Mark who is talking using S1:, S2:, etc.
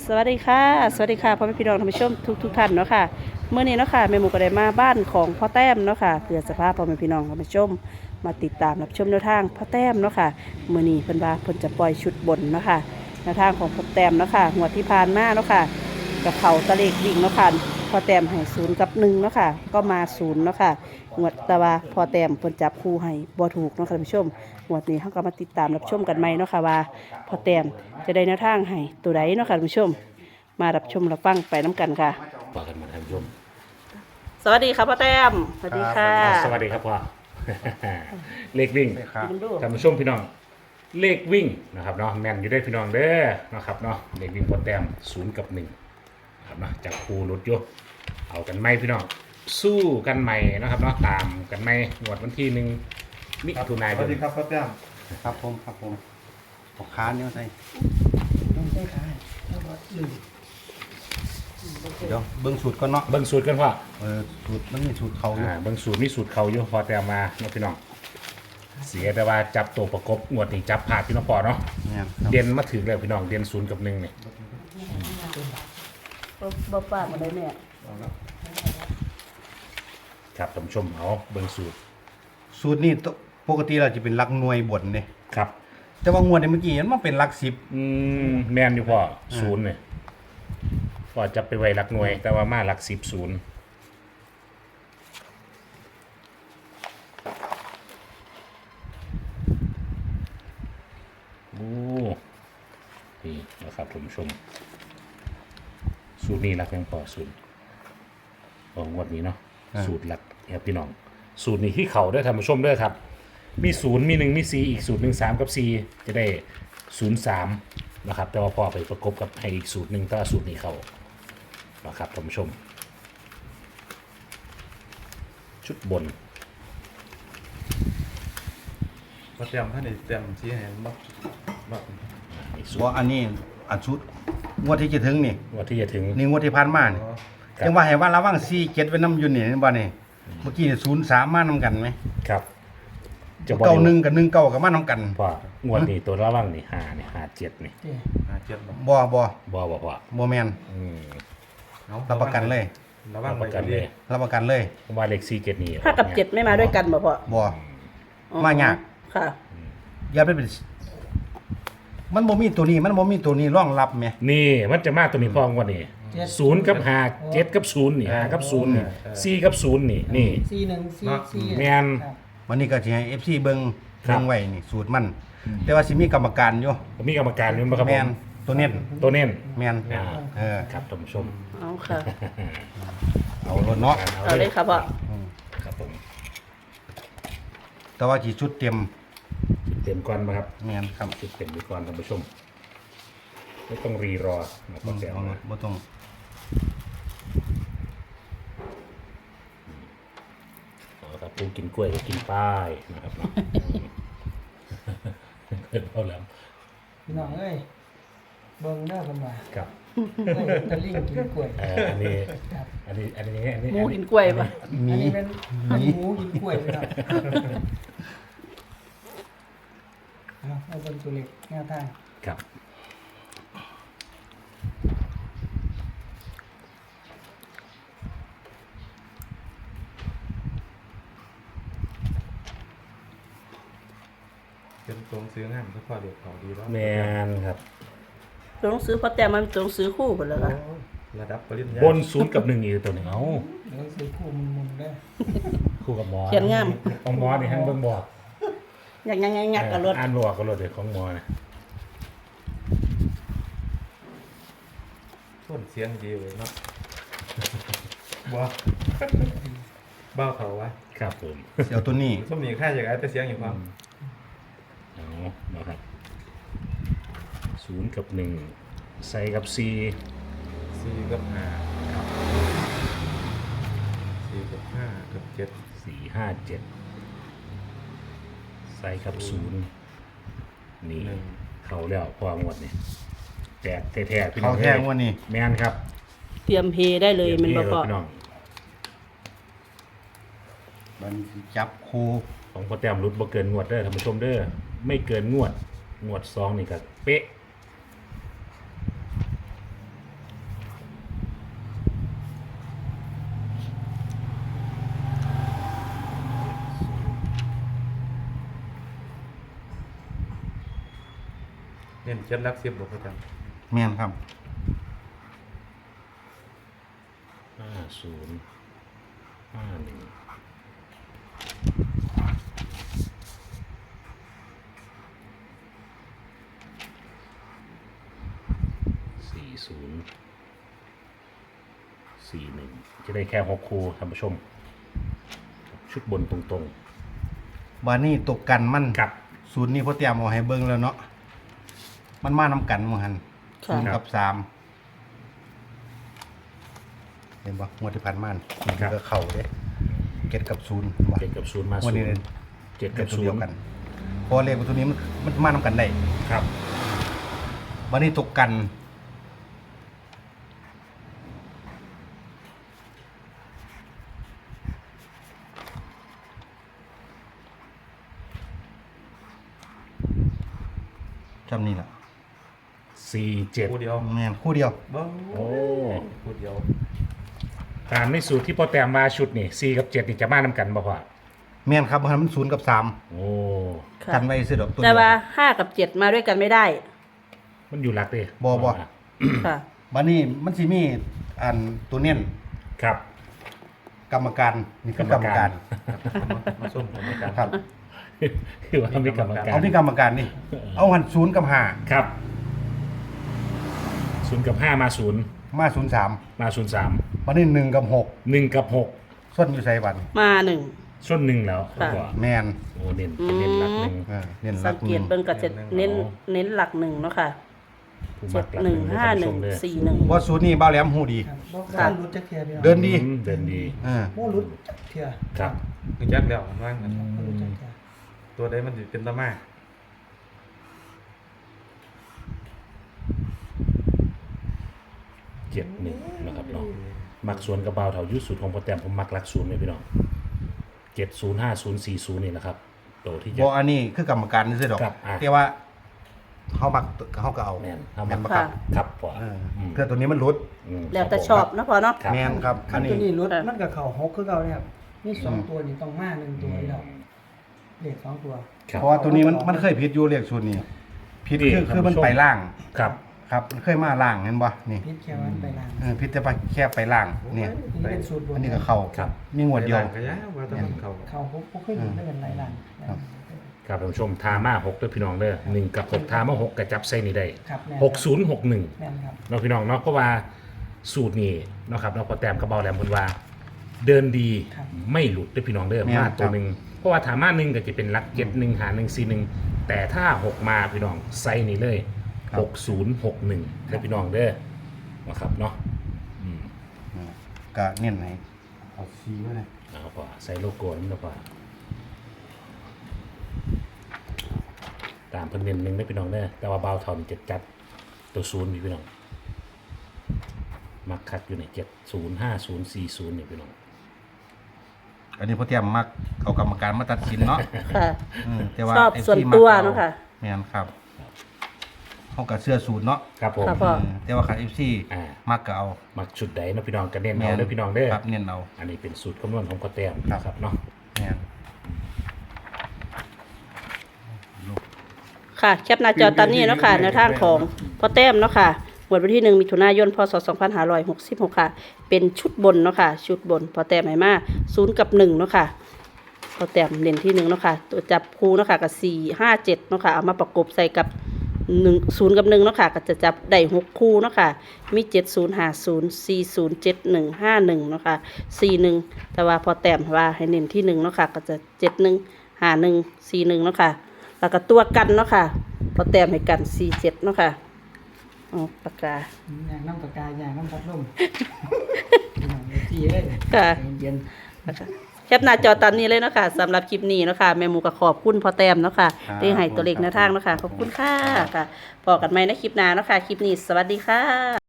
S1: สวัสดีค่ะสวัสดีค่ะพ่อแม่พี่น้องท่านผู้ชมทุกท่านเนาะค่ะเมื่อนี้เนาะค่ะแม่หมูก็ได้มาบ้านของพ่อแต้มเนาะค่ะเพื่อสภาพพ่อแม่พี่น้องท่านผู้ชมมาติดตามรับชมแนวทางพ่อแต้มเนาะค่ะเมื่อนี้เพิ่นว่าเพิ่นจะปล่อยชุดบนเนาะค่ะแนวทางของพ่อแต้มเนาะค่ะงวดที่ผ่านมาเนาะค่ะกับเขาตะเลกวิ่งเนาะค่ะพ่อแต้มให้0 กับ 1เนาะค่ะก็มา0เนาะค่ะงวดแต่ว่าพ่อแต้มเพิ่นจับคู่ให้บ่ถูกเนาะค่ะท่านผู้ชมงวดนี้เฮาก็มาติดตามรับชมกันใหม่เนาะค่ะว่าพ่อแต้มจะได้แนวทางให้ตัวใดเนาะค่ะท่านผู้ชม มารับชมรับฟังไปน้ำกันค่ะ
S2: ฝากกันมาท่านผู้ชม
S1: สวัสดีครับพ่อแต้มสวัสดีค่ะ
S2: สวัสดีครับพ่อ เลขวิ่ง
S1: คุณดู
S2: ท่านผู้ชมพี่น้อง เลขวิ่งนะครับเนาะแม่นอยู่ได้พี่น้องเด้อนะครับเนาะเลขวิ่งพ่อแต้ม0 กับ 1ครับเนาะจากครูรถยกเอากันไหมพี่น้องสู้กันใหม่นะครับเนาะตามกันไหมงวดวันที่1 มิถุนายน
S3: สวัสดีครับพ่อแต้ม
S4: ครับผมปอกค้าเนี่ยใส่เดี๋ยวเบิ้งสูตรก่อนเนาะ
S2: เบิ่งสูตรกันพ่อ
S4: สูตรมันมีสูตรเขาอยู่
S2: เบิ่งสูตรมีสูตรเขาอยู่พอแต้มมาเนาะพี่น้องเสียแต่ว่าจับตัวประกบงวดนี้จับผ่าดพี่น้องพอเนาะ
S4: เนี่ยครับ
S2: เด่นมาถึงแล้วพี่น้องเด่น0 กับ 1เนี่ย
S1: บ่ป้ามาได้แม่
S2: ครับท่านผู้ชมเอาเบิ่งสูตร
S4: สูตรนี่ปกติเราจะเป็นหลักหน่วยบนเนี่ย
S2: ครับ
S4: แต่ว่างวดเนี่ยเมื่อกี้มันเป็นหลักสิบ
S2: แม่นอยู่พ่อศูนย์เนี่ยพ่อจะไปไว้หลักหน่วย แต่ว่ามาหลัก10ศูนย์โอ้นี่นะครับท่านผู้ชมสูตรนี้หลักยังพอศูนย์ของงวดนี้เนาะสูตรหลักครับพี่น้องสูตรนี้ที่เขาได้อท่านผู้ชมเด้วยครับ มี0มี1มี4อีกสูตร1 3กับ4จะได้0 3นะครับแต่ว่าพอไปประกบกับให้อีกสูตรหนึ่งถ้าสูตรนี้เขานะครับท่านผู้ชม ชุดบน
S3: พ่อแต้มท่านได้แต้มชี้ให้บัก
S2: อีกสูต
S4: ว่าร อันนี้อันชุดงวดที่จะถึงนี่
S2: ว่าที่จะถึง
S4: นี่งวดที่ผ่านมานี่
S2: ครับ
S4: จังว่าให้ว่าระวัง4 7ไว้น้ำอยุ่นนี่เห็นบ่นี่เมื่อกี้0 3มานํกันไหม
S2: ครับจะ
S4: เก้าหนึ่งกับ1 9กับมานํกัน
S2: พองวดนี้ตัวระว่างนี่5นี่5 7นี่
S3: 7บ่
S4: บ่
S2: บ่
S4: บ่แม่น
S2: อืม
S4: รับประกันเลย
S3: ระวัง
S2: ประกันเลย
S4: รับประกันเลย
S2: เพราะว่าเลข4 7นี่
S1: 5 กับ 7ไม่มาด้วยกันบ่พ่อ
S4: บ่
S1: อ๋อ
S4: มายาก
S1: ค่ะ
S4: อย่าไปเป็นมันบ่มีตัวนี้มันบ่มีตัวนี้รองรับแหม
S2: นี่มันจะมาตัวนี้พองวดนี้0 กับ 5 7 กับ 0นี่5 กับ 0นี่4 กับ 0นี่นี่
S5: 4 1 4 4
S2: แม่น
S4: วันนี้ก็สิให้ FC เบิ่ง
S2: ครับ
S4: เบิ่งไว้นี่สูตรมัน แต่ว่าสิมีกรรมการอยู่
S2: ผมมีกรรมการอยู่บ่ครับผ
S4: แม่น
S2: ม
S4: ตัวเน้น
S2: ตัวเน้น
S4: แม่น
S2: อ่า
S4: เออ
S2: ครับท่านผู้ชม
S1: เอาค่ะ
S4: เอารถเนาะ
S1: เอาเลยค่ะพ่อ
S2: ครับผม
S4: แต่ว่าสิชุดเต็ม
S2: จุดเต็มก่อนมาครับ
S4: แม่นครับ
S2: จุดเต็มไปก่อนท่านผู้ชมไม่ต้องรีรอนะครับเดี๋ยว
S4: เอา
S2: นะ
S4: บ่ต้อง
S2: เอาครับปูกินกล้วยก็กินป้ายนะครับเนาะเอาแล้ว
S5: พี่น้องเอ้ยเบิ่งเด้อเพิ่นว่า
S2: ครับ
S5: เอ้ยตะลิงกินกล้วย
S2: อันนี้
S1: หมูกินกล้วยป่ะ
S5: อัน
S4: มี
S5: นี้เป็นหมูกินกล้วยพี่น้องเอาเป็นตัวเล็กแนวทาง
S2: ครับ
S3: เป็นตรงซื้องามก็พอเด็กเขาดีแล้ว
S2: แมนครับ
S1: ตัวหนังสือพ่อแต้มมันเป็นตัวหนังสือคู่หมดแล้วค่ะ
S3: ระดับปริญญา
S2: บน0 กับ 1อีกตัวหนึ่งเอา
S5: เดี๋ยวซื้อคู่มุนๆได้อ
S2: คู่กับหมอ
S1: เขียนงาม
S2: ของหมอนี่ให้เบิ่งบอก
S1: อยากงักกับรถ
S2: อ่านบอกกับรถเด็กของหมอนะ
S3: ต้นเสียงดีเลยเนาะบ่บ้าเขาวะ
S2: ครับผม
S4: เสียวตัวนี้
S3: ส้มนี่ค่าจากไอ้แต่เสียงอยู่ความ
S2: เอานะครับ0 กับ 1ใส่กับ4
S3: 4 กับ 5ครับ4 กับ 5 กับ 7
S2: 4 5 7ใส่กับ0นี่เขาแล้วพอหมดนี่แตกแท้ๆพี่น้
S4: เขา
S2: อง
S4: แท้งวันนี้
S2: แม่นครับ
S1: เตรียมเฮได้เลยมันบ่พ่อ
S2: พี่น้อง
S4: มันสิจับคู
S2: ของพ่อแต้มรุดบ่เกินงวดเด้อท่านผู้ชมเด้อไม่เกินงวด2นี่ก็เป๊ะ
S3: เน้น7หลัก10บ่ประจำ
S4: แม่นครับ
S2: 40 จะได้แค่6คู่ท่านผู้ชม ชุดบนตรง
S4: บานี่ตกกันมัน
S2: ๆกับ
S4: ศูนย์นี่พ่อเตรียมเอาให้เบิ่งแล้วเนาะมันมานํกันหมู่หัน
S1: ค่ะ
S4: 0กับ3เห็นบ่งวดที่ผ่านมานี่ก็เข้าเด้7กับ0บ่
S2: 7กับ0มา
S4: วันนี้
S2: 0 7กับ
S4: ตัวเดียวกันเพราะเลขตัวนี้มันมานํกันได้
S2: 0ครับ
S4: บานี่ตกกันจำนี่ล่ะ
S2: 47
S3: คู่เดียว
S4: แม่นคู่เดียว
S3: เบิ่ง
S2: โอ้
S3: คู่เดียว
S2: ตามในสูตรที่พ่อแต้มมาชุดนี่4กับ7นี่จะมานำกันบ่พ่อ
S4: แม่นครับเพราะมัน0กับ3
S2: โอ้
S1: ค่ะ
S4: กันไว้ซื้อดอกตัว
S1: แต่
S4: เดียว
S1: ว่า5กับ7มาด้วยกันไม่ได้
S2: มันอยู่หลักเด้
S4: บ่
S1: ค่ะ
S4: บัดนี้มันสิมีอันตัวเน้น
S2: ครับ
S4: กรรมการนี่คือกรรมการ
S3: มาส้มกรรมการ
S4: ครับ
S2: คือว่ามีกรรมการ
S4: เอาที่กรรมการนี่ เอาหัน0กับ
S2: ครับ0กับ5มา0
S4: 5มา03
S2: มา03
S4: บัดนี้1กับ6
S2: 1กับ6
S4: ส่วนอยู่ไสบัด
S1: มา1
S2: ส่วน1แล้ว
S1: ค่ะ
S2: พ่อ
S4: แม่น
S2: โอ้เน้นเป็นเน้นหลักหนึ่ง
S4: เน้นห
S1: สั
S4: ลั
S1: ง
S4: ก
S1: เกตเบิ่งก็จะเน้นหลัก1เนาะค่ะ
S2: ผู้มักหลักหนึ่ง
S1: 7 1 5 1 4 1
S4: ว่าศูนย์นี่บ้าวแหลมฮู้ดี
S5: ครับบ่
S1: ค่ะ
S5: รู้จักเทียพี่น้อง
S4: เดินดี
S2: เดินดี
S5: บ่รู้จักเทีย
S2: ครับ
S3: คือจักแล้วมันว่างั้น
S5: บ่รู้จักเทีย
S3: ตัวใดมันสิเป็นตะมา
S2: 71นะครับเนาะมักสวนกระเบาเถายุดสูตรของโปรแกรมผมมักหลักศูนย์เลยพี่น้อง705040นี่นะครับโตที่จะ
S4: บ่อันนี้คือกรรมการซื่อดอก
S2: ครับอ่ะ
S4: แต่ว่าเฮามักเฮาก็เอา
S2: แม่นเอา
S4: แม่
S2: มาน
S4: บ่ครับ
S2: ครับพ่อ
S4: เพื่อตัวนี้มันหลุด
S1: แล้วแต่ชอบเนาะพอเนาะ
S2: ครับ
S4: แม่นครับ
S5: คั
S4: อั
S5: น
S4: น
S5: ตัว
S4: นี้
S5: นี้รถ
S1: ค่ะ
S5: มันก็เข้า6คือเก่าเนี่ยครับมี2ตัวนี่ต้องมา1ตัวแล้วเลข2ตัว
S2: ครับ
S4: เพราะว่าตัวนี้มันเคยผิดอยู่เลขศูนย์นี่ผิด
S2: นี่
S4: คือมัน
S2: ท่านผู้ชม
S4: ไปล่าง
S2: ครับ
S4: ครับมันเคยมาล่างเห็นบ่นี่
S5: พิษแค่วันไปล่าง
S4: ผิดแต่ว่าแค่ไปล่างเนี่ย
S5: นี่เป็นสูตรบน
S4: อันนี้ก็เข้า
S2: ครับ
S4: มีงวดเดียว
S3: ก็ยาว่าแต้องมันเข้า
S5: เข้า6บ่เคยอยู่ได้เป็นหลายล้าน
S4: ครับ
S2: ครับท่านผู้ชมทามา6ด้วยพี่น้องเด้อ1กับ6ทามา6กระจับใส่นี่ได้
S5: ครับแม่น
S2: 6061
S5: แม่นครับ
S2: เนาะพี่น้องเนาะเพราะว่าสูตรนี้เนาะครับเนาะพอแต้มกระเบาแหลมเพิ่นว่า เดินดี
S5: ครับ
S2: ไม่หลุดเด้อพี่น้องเด้อ
S4: แม่น
S2: มาตัว
S4: ครับ
S2: หนึ่งเพราะว่าถามาหนึ่งก็จะเป็นหลัก7 1หา1 4 1แต่ถ้า 6 มาพี่น้องไซส์นี้เลย6061เด้อพี่น้องเด้อนะครับเนาะ
S4: ก็เน้นให้เอาซีไว้เลย
S2: เอาพอใส่โลโก้นั่นพอตามเพิ่นเน้นหนึงได้อพี่น้องเด้อแต่ว่าเบาเท่านี่จะจัดตัวศูนย์นี่พี่น้องมักคัดอยู่ใน705040นี่พี่น้อง
S4: อันนี้พ่อเตรียมมักเอากรรมการมาตัดสินเนาะ
S1: ค่ะ
S4: แต่ว่า
S1: ชอบ
S4: ไ
S1: ส่วน
S4: ที่มัก
S1: ตัว
S4: อ
S1: เนาะค่ะ
S4: แม่นครับเขาก็เสื้อสูตรเนาะ
S2: ครับผม
S1: ครับพ่อ
S4: แต่ว่าคัน FC
S2: อ่า
S4: มักก็เอา
S2: มักชุดใดเนาะพี่น้องก็เน้นเอาเด้อพี่น้องเด้อ
S4: ครับเน้นเอา
S2: อันนี้เป็นสูตรคำนวณของกอแต้ม
S4: ครับ
S2: นะครับเนาะ
S4: แม่น
S1: ค่ะแคปหน้าจอตอนนี้เนาะค่ะแนวทางของพ่อแต้มเนาะค่ะงวดวันที่1มิถุนายนพศ2566ค่ะเป็นชุดบนเนาะค่ะชุดบนพ่อแต้มให้มา0กับ1เนาะค่ะพ่อแต้มเน้นที่1เนาะค่ะตัวจับคู่เนาะค่ะกับ4 5 7เนาะค่ะเอามาประกบใส่กับ0กับ1เนาะค่ะก็จะจับได้6คู่เนาะค่ะมี7050 4071 51เนาะค่ะ41แต่ว่าพอแต้มว่าให้เน้นที่1เนาะค่ะก็จะ71 51 41เนาะค่ะแล้วก็ตัวกันเนาะค่ะพอแต้มให้กัน47เนาะค่ะอ๋อปากกา
S5: อย่างน้ำปากกาอย่างน้ำพัดลมที่เลย
S1: ค่ะ
S5: เย็น
S1: นะคะแคปหน้าจอตามนี้เลยเนาะค่ะสำหรับคลิปนี้เนาะค่ะแม่หมูก็ขอบคุณพ่อแต้มเนาะค่ะได้ให้ตัวเลขแนวทางเนาะค่ะขอบคุณค่ะค่ะพอกันไหมในคลิปหน้าเนาะค่ะคลิปนี้สวัสดีค่ะ